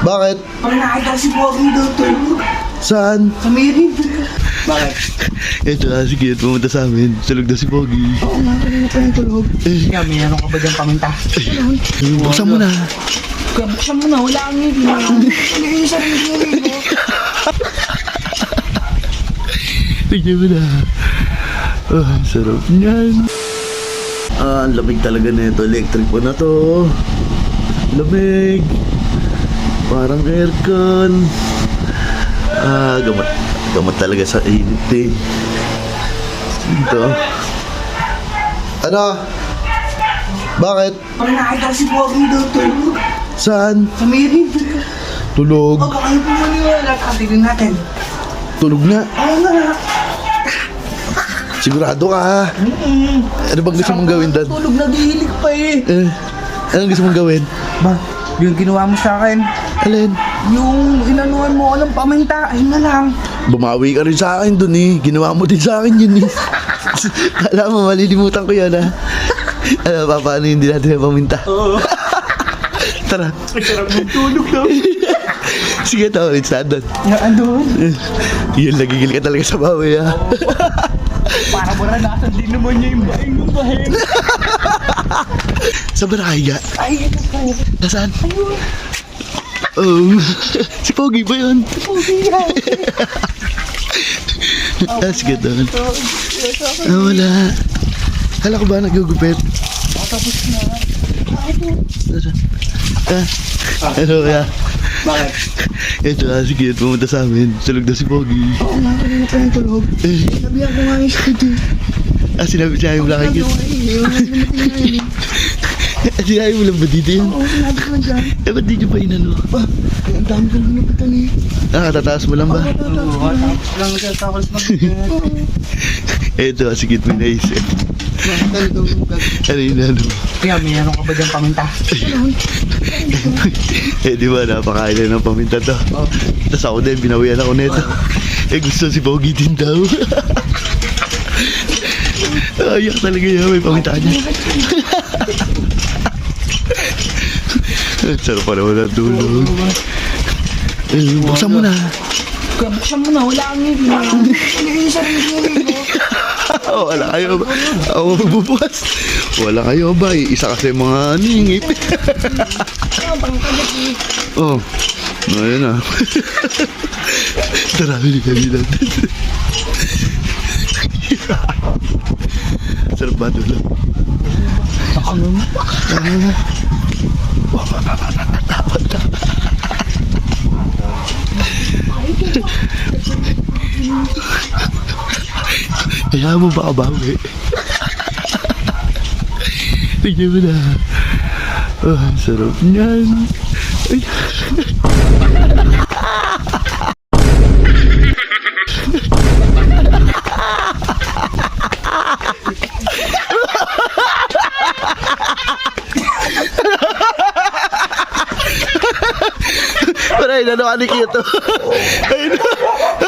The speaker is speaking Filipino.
Bakit? Pag nakita si Pogi doon tulog. Saan? Sa Mirin. Bakit? Ito na, sige, pumunta sa amin. Tulog na si Pogi. Oo nga, kanina pa yung tulog. Kaya may ano ka ba dyan paminta? Buksan mo na. Kaya buksan mo na, wala kang ngipin. Ano yung sarili mo? Tignan mo na. Oh, ang sarap niyan. Ang lamig talaga nito. Electric pa na to. Lamig. Parang aircon. Gamot. Gamot talaga sa init eh. Ito. Ano? Bakit? Pag nakita si Pogi doon tulog. Saan? Sa Mirin. Tulog. O baka yung pumaniwala. Katigin natin. Tulog na. Oo nga. Sigurado ka ha? Ano bang gusto mong gawin, Dad? Tulog na dihilig pa eh. Anong gusto mong gawin? Ba, yung ginawa mo sa akin. Alin? Yung inanuan mo ako ng paminta. Ayun na lang. Bumawi ka rin sa akin dun eh. Ginawa mo din sa akin yun eh. Alam mo, malilimutan ko yun ha. Ano pa, paano hindi natin paminta? Oo. Tara. Sarap ng tulog daw. Sige, tao ulit sa doon. Andun. Yun, nagigil ka talaga sa bawi ha. Para maranasan din naman niya yung bahay ng bahay. Sa Baraya. Ay, ito pa. Nasaan? Ayun. Oh, si Pogi ba yun? Pogi yan. Sige doon. Wala. Kala ko ba nagugupit? Tapos na. Ano kaya? Bakit? Ito na, sige, pumunta sa amin. Tulog na si Pogi. Oo nga, kanina pa yung tulog. Sabihan ko nga yung skid eh. Sinabi mo lang kayo. Sinabi mo lang ba dito yun? Oo, sinabi ko dyan. Ba't di nyo pa inano? Ang dami kong nilapitan eh. Tataas mo lang ba? Oo, tapos lang nagkakakas mag-get. Ito, sige, may naisip. Bakit ito? Ano yun, ano? Kaya may ano ka ba dyan paminta? Di ba, napakain na ng paminta to. Tapos ako din, binawian ako nito. Gusto si Pogi din daw. Ayak talaga yan, may paminta niya. Sarap pa naman ang tulog. Buksan mo na. Kaya buksan mo na, wala kang ngipin. Ano yung sarili mo? Wala kayo ba? Ako magbubukas. Wala kayo ba? Isa kasi mga ningip. Oh, ayun na. Tara, hindi kami natin. Sarap ba tulog? Kaya mo ba kabawi? Tignan mo na. Oh, ang sarap niyan. Ay. Paray, nano ka ni Kyoto? Ayun na.